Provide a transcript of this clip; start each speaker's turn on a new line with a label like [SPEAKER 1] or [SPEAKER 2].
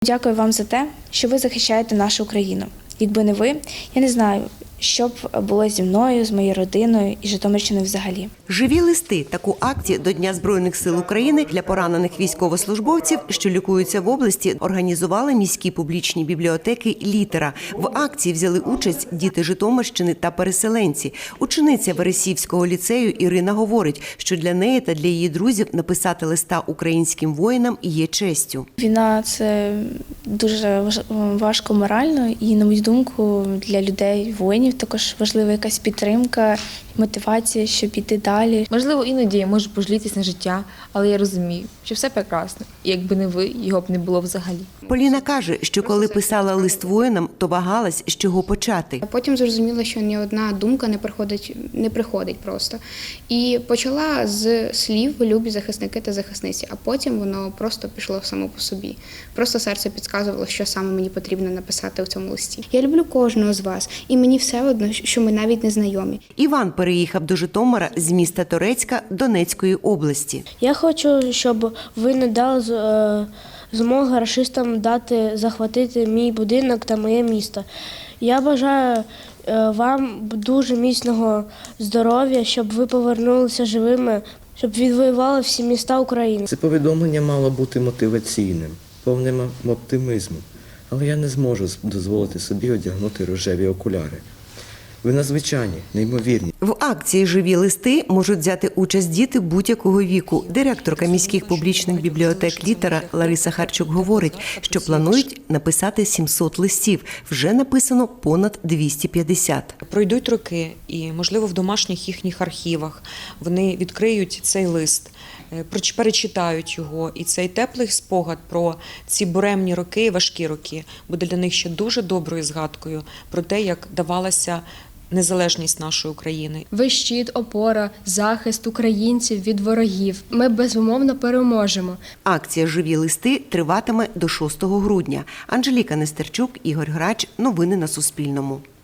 [SPEAKER 1] Дякую вам за те, що ви захищаєте нашу Україну. Якби не ви, я не знаю, що б було зі мною, з моєю родиною і Житомирщиною взагалі.
[SPEAKER 2] Живі листи – таку акцію до Дня Збройних сил України для поранених військовослужбовців, що лікуються в області, організували міські публічні бібліотеки «Літера». В акції взяли участь діти Житомирщини та переселенці. Учениця Вересіївського ліцею Ірина говорить, що для неї та для її друзів написати листа українським воїнам є честю.
[SPEAKER 1] Війна – це дуже важко морально і, на мою думку, для людей, воїнів також важлива якась підтримка, мотивація, щоб іти далі.
[SPEAKER 3] Можливо, іноді я можу пожалітись на життя, але я розумію, що все прекрасно. І якби не ви, його б не було взагалі.
[SPEAKER 2] Поліна каже, що коли писала лист воїнам, то вагалась, з чого почати.
[SPEAKER 4] Потім зрозуміла, що ні одна думка не приходить просто. І почала з слів «любі захисники та захисниці», а потім воно просто пішло само по собі. Просто серце підказувало, що саме мені потрібно написати у цьому листі. Я люблю кожного з вас, і мені все одно, що ми навіть не знайомі.
[SPEAKER 2] Іван переїхав до Житомира з міста Торецька Донецької області.
[SPEAKER 5] Я хочу, щоб ви не дали змоги рашистам захватити мій будинок та моє місто. Я бажаю вам дуже міцного здоров'я, щоб ви повернулися живими, щоб відвоювали всі міста України.
[SPEAKER 6] Це повідомлення мало бути мотиваційним, повним оптимізму, але я не зможу дозволити собі одягнути рожеві окуляри. Ви надзвичайні, неймовірні.
[SPEAKER 2] В акції «Живі листи» можуть взяти участь діти будь-якого віку. Директорка міських публічних бібліотек «Літера» Лариса Харчук говорить, що планують написати 700 листів. Вже написано понад 250.
[SPEAKER 7] Пройдуть роки і, можливо, в домашніх їхніх архівах вони відкриють цей лист, перечитають його, і цей теплий спогад про ці буремні роки, важкі роки, буде для них ще дуже доброю згадкою про те, як давалася незалежність нашої України.
[SPEAKER 8] Ви щит, опора, захист українців від ворогів. Ми безумовно переможемо.
[SPEAKER 2] Акція «Живі листи» триватиме до 6 грудня. Анжеліка Нестерчук, Ігор Грач. Новини на Суспільному.